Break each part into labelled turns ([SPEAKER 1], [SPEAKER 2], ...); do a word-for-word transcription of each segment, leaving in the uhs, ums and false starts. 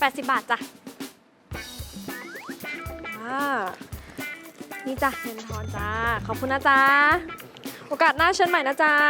[SPEAKER 1] ปดสิบบาทจ้ะอ่านี่จ้ะเงินทอนจ้าขอบคุณนะจ๊ะโอกาสหน้าเชิญใหม่นะจ๊ะ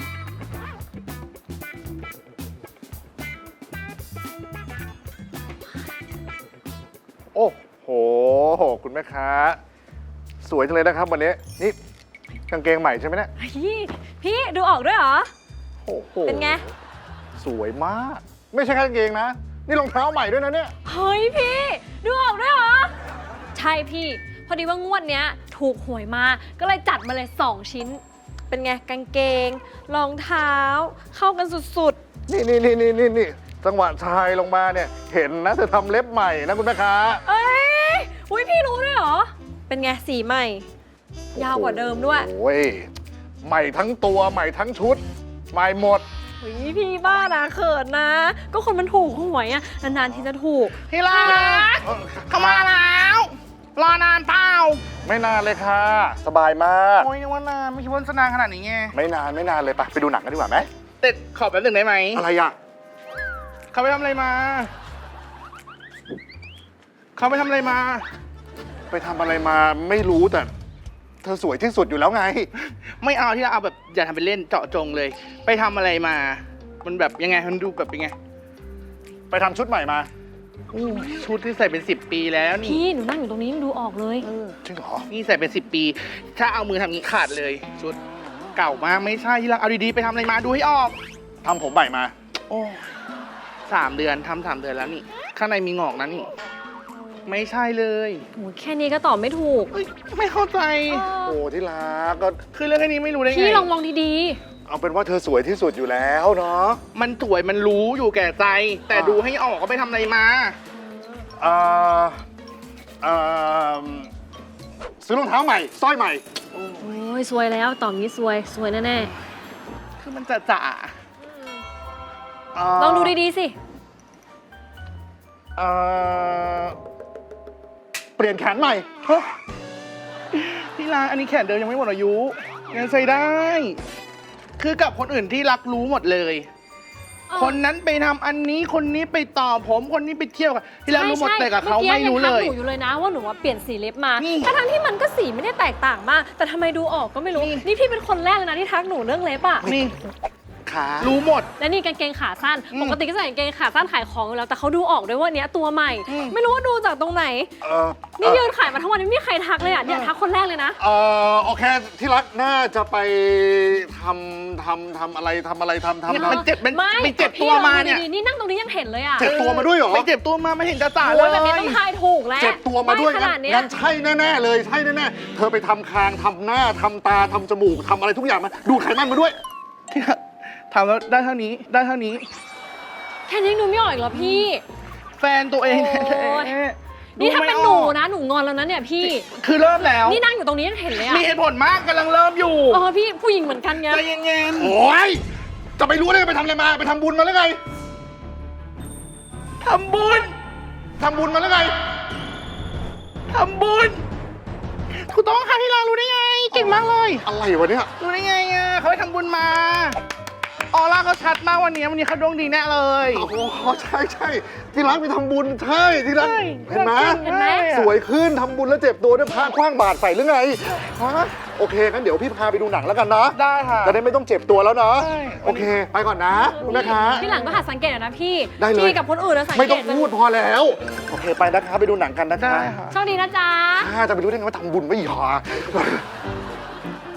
[SPEAKER 2] โอ้โห คุณแม่ค้า สวยจังเลยนะครับวันนี้ นี่กางเกงใหม่ใช่ไหมเนี่ย
[SPEAKER 1] พี่พี่ดูออกด้วยเหรอ
[SPEAKER 2] โอ้โห
[SPEAKER 1] เป็นไง
[SPEAKER 2] สวยมาก ไม่ใช่แค่กางเกงนะ นี่รองเท้าใหม่ด้วยนะเนี่ย
[SPEAKER 1] เฮ้ยพี่ดูออกด้วยเหรอ ใช่พี่ พอดีว่างวดเนี้ยถูกหวยมา ก็เลยจัดมาเลยสองชิ้น เป็นไงกางเกงรองเท้า เข้ากันสุด
[SPEAKER 2] นี่นี่นี่นี่นี่นี่จังหวะชายลงมาเนี่ย เห็นนะเธอทำเล็บใหม่นะคุณแม่ค้า
[SPEAKER 1] ๆ เอ้ยอุ้ยพี่รู้ด้วยเหรอ เป็นไงสีใหม่ ยาวกว่าเดิมด้วย
[SPEAKER 2] โอ้ย ใหม่ทั้งตัวใหม่ทั้งชุด ใหม่หมด
[SPEAKER 1] เฮ้ยพี่บ้านะเขินนะ ก็คนมันถูกหวยอะนานๆทีจะถูก
[SPEAKER 3] ที่รักเข้ามาแล้ว รอนานเปล่า
[SPEAKER 2] ไม่นานเลยค่ะ สบายมาก
[SPEAKER 3] โอ้ยนึกว่านานไม่คิดว่าจะนานขนาดนี้ไง
[SPEAKER 2] ไม่นานไม่นานเลยไปไปดูหนังกันดีกว่าไหม
[SPEAKER 3] แต่ขอแป๊บหนึ่งได้ไหม
[SPEAKER 2] อะไรอ่ะ
[SPEAKER 3] เขาไปทำอะไรมา เขาไปทำอะไรมา
[SPEAKER 2] ไปทำอะไรมาไม่รู้แต่ เธอสวยที่สุดอยู่แล้วไง
[SPEAKER 3] ไม่เอาที่เราเอาแบบอย่าทำเป็นเล่นเจาะจงเลย ไปทำอะไรมา มันแบบยังไงมันดูแบบเป็นไง
[SPEAKER 2] ไปทำชุดใหม่มา
[SPEAKER 3] อู้ชุดที่ใส่เป็นสิบปีแล้วนี่
[SPEAKER 1] พี่หนูนั่งอยู่ตรงนี้ยังดูออกเลย
[SPEAKER 2] จริงเหรอ
[SPEAKER 3] นี่ใส่เป็นสิบปี ถ้าเอามือทำงี้ขาดเลย ชุดเก่ามากไม่ใช่ที่รักเอาดีๆไปทำอะไรมาดูให้ออก
[SPEAKER 2] ทำผมใหม่มา
[SPEAKER 3] โอ้สามเดือนทำสามเดือนแล้วนี่ ข้างในมีงอกนะนี่ ไม่ใช่เลย
[SPEAKER 1] โอ้ยแค่นี้ก็ตอบไม่ถูก
[SPEAKER 3] เอ้ยไม่เข้าใจ
[SPEAKER 2] โอ้ที่รักก็
[SPEAKER 3] คือเรื่องแค่นี้ไม่รู้ได้ไง
[SPEAKER 1] พี่ลองมองดี
[SPEAKER 2] เอาเป็นว่าเธอสวยที่สุดอยู่แล้วเนาะ
[SPEAKER 3] มันสวยมันรู้อยู่แก่ใจ แต่
[SPEAKER 2] อ่า
[SPEAKER 3] ดูให้ออกก็ไปทำอะไรมา
[SPEAKER 2] เอ่อเอ่อซื้อรองเท้าใหม่สร้อยใหม่
[SPEAKER 1] ๆ โอ้ยซวยแล้วตอบงี้ซวยซวยแน่
[SPEAKER 3] คือมันจะจ่า
[SPEAKER 1] ๆ ลองดูดีๆสิ
[SPEAKER 2] เอ่อเปลี่ยนแขนใหม่
[SPEAKER 3] ฮะที่ร้านอันนี้แขนเดิมยังไม่หมดอายุยังใส่ได้ คือกับคนอื่นที่รักรู้หมดเลย
[SPEAKER 1] อ๋อ
[SPEAKER 3] คนนั้นไปทำอันนี้คนนี้ไปต่อผมคนนี้ไปเที่ยวกันที่รักรู้หมด
[SPEAKER 1] ใช่
[SPEAKER 3] แต่กับเขา
[SPEAKER 1] มื่อ
[SPEAKER 3] ไม่รู้เลย
[SPEAKER 1] งทักหนูอยู่เลยนะว่าหนูว่าเปลี่ยนสีเล็บมา
[SPEAKER 3] นี่
[SPEAKER 1] ทั้งๆที่มันก็สีไม่ได้แตกต่างมาก แต่ทำไมดูออกก็ไม่รู้
[SPEAKER 3] นี่
[SPEAKER 1] นี่พี่เป็นคนแรกเลยนะที่ทักหนูเรื่องเล็บอ่ะ
[SPEAKER 3] นี่
[SPEAKER 2] ขา
[SPEAKER 3] รู้หมด
[SPEAKER 1] และนี่กางเกงขาสั้น
[SPEAKER 3] อืม
[SPEAKER 1] ปกติก็ใส่กางเกงขาสั้นขายของอยู่แล้ว แต่เขาดูออกด้วยว่าเนี้ยตัวใหม่
[SPEAKER 3] อืม
[SPEAKER 1] ไม่รู้ว่าดูจากตรงไหน
[SPEAKER 2] เอ่อ
[SPEAKER 1] นี่ยืนขายมาทั้งวันไม่มีใครทักเลยอ่ะ เนี่ยทักคนแรกเลยนะ
[SPEAKER 2] เอ่อโอเค ที่รักน่าจะไปทำทำทำอะไรทำอะไรทำทำ
[SPEAKER 3] เนี่ย
[SPEAKER 2] ทำ
[SPEAKER 3] มันเจ็บมัน
[SPEAKER 1] ไม่
[SPEAKER 3] ไปเจ็บ
[SPEAKER 1] พี่
[SPEAKER 3] ตัว
[SPEAKER 1] ลอง
[SPEAKER 3] มา
[SPEAKER 1] ดู
[SPEAKER 3] เนี่ย
[SPEAKER 1] ดีๆนี่นั่งตรงนี้ยังเห็นเลยอ่ะ
[SPEAKER 2] เจ็บตัวมาด้วยเหรอ
[SPEAKER 3] ไปเจ็บตัวมาไม่เห็นจะจ่าเล
[SPEAKER 1] โอ้ย
[SPEAKER 3] ย
[SPEAKER 1] แบบนี้ต้องทายถูกแล้ว
[SPEAKER 2] เจ็บตัวมาด้วย
[SPEAKER 1] ไข
[SPEAKER 2] งั้
[SPEAKER 1] นาด
[SPEAKER 2] น
[SPEAKER 1] เนี้ย
[SPEAKER 2] งั้นใช่แน่ๆเลยใช่แน่ๆเธอไปทำคางทำหน้าทำตาทำจมูกทำอะไรทุกอย่างมาดูดไขมันมาด้วย
[SPEAKER 3] ทำแล้วได้เท่านี้ได้เท่านี้
[SPEAKER 1] แค่นี้ยังดูไม่ออกอีกเหรอพี่
[SPEAKER 3] แฟนตัวเอง
[SPEAKER 1] โอ้ย
[SPEAKER 3] แท้ๆ
[SPEAKER 1] นี่ถ้า
[SPEAKER 3] ดูไม่
[SPEAKER 1] เป็น
[SPEAKER 3] อ
[SPEAKER 1] หนู
[SPEAKER 3] อก
[SPEAKER 1] นะ หนูงอนแล้วนะเนี่ยพี่
[SPEAKER 3] คือเริ่มแล้ว
[SPEAKER 1] นี่นั่งอยู่ตรงนี้ยังเห็นเลยอ่ะ
[SPEAKER 3] มีเหตุผลมากกำลังเริ่มอยู่
[SPEAKER 1] เออพี่ผู้หญิงเหมือนกันไง
[SPEAKER 3] ใจเย็น
[SPEAKER 2] โอ้ยจะไปรู้ได้ไงไปทำอะไรมาไปทำบุญมาแล้วไง
[SPEAKER 3] ๆทำบุญ
[SPEAKER 2] ทำบุญมาแล้วไง
[SPEAKER 3] ทำบุญถูกต้องค่ะที่เรารู้ได้ไง เก่งมากเลย
[SPEAKER 2] อะไรวะเนี่ย
[SPEAKER 3] รู้ได้ไงอ่ะเขาไปทำบุญมา ออร่าเขาชัดมากวันนี้วันนี้เขาดวงดีแน่เลย
[SPEAKER 2] โอ้โหใช่ใช่ที่รักไปทำบุญใช่ที่รัก
[SPEAKER 3] ใช่
[SPEAKER 2] เห็นไหม
[SPEAKER 1] เห็นไหม
[SPEAKER 2] สวยขึ้นทำบุญแล้วเจ็บตัวด้วยพระคว้างบาตรใส่หรือไงฮะโอเคงั้นเดี๋ยวพี่พาไปดูหนังแล้วกันนะ
[SPEAKER 3] ได้ค่ะ
[SPEAKER 2] จะได้ไม่ต้องเจ็บตัวแล้วนะ
[SPEAKER 3] ใช่
[SPEAKER 2] โอเค ไปก่อนนะคุณแม่ค้า
[SPEAKER 1] พี่หลังก็หัดสังเกตหน่อยนะพี่
[SPEAKER 2] ได้เลย
[SPEAKER 1] พี่กับคนอื่นนะสังเกต
[SPEAKER 2] ไม่ต้องพูดพอแล้ว โอเคไปนะคะไปดูหนังกันนะคะ
[SPEAKER 3] ได้ค่ะ
[SPEAKER 1] โชคดีนะจ๊ะ
[SPEAKER 2] อ่าจะไปรู้ได้ไงว่าทำบุญไม่หรอ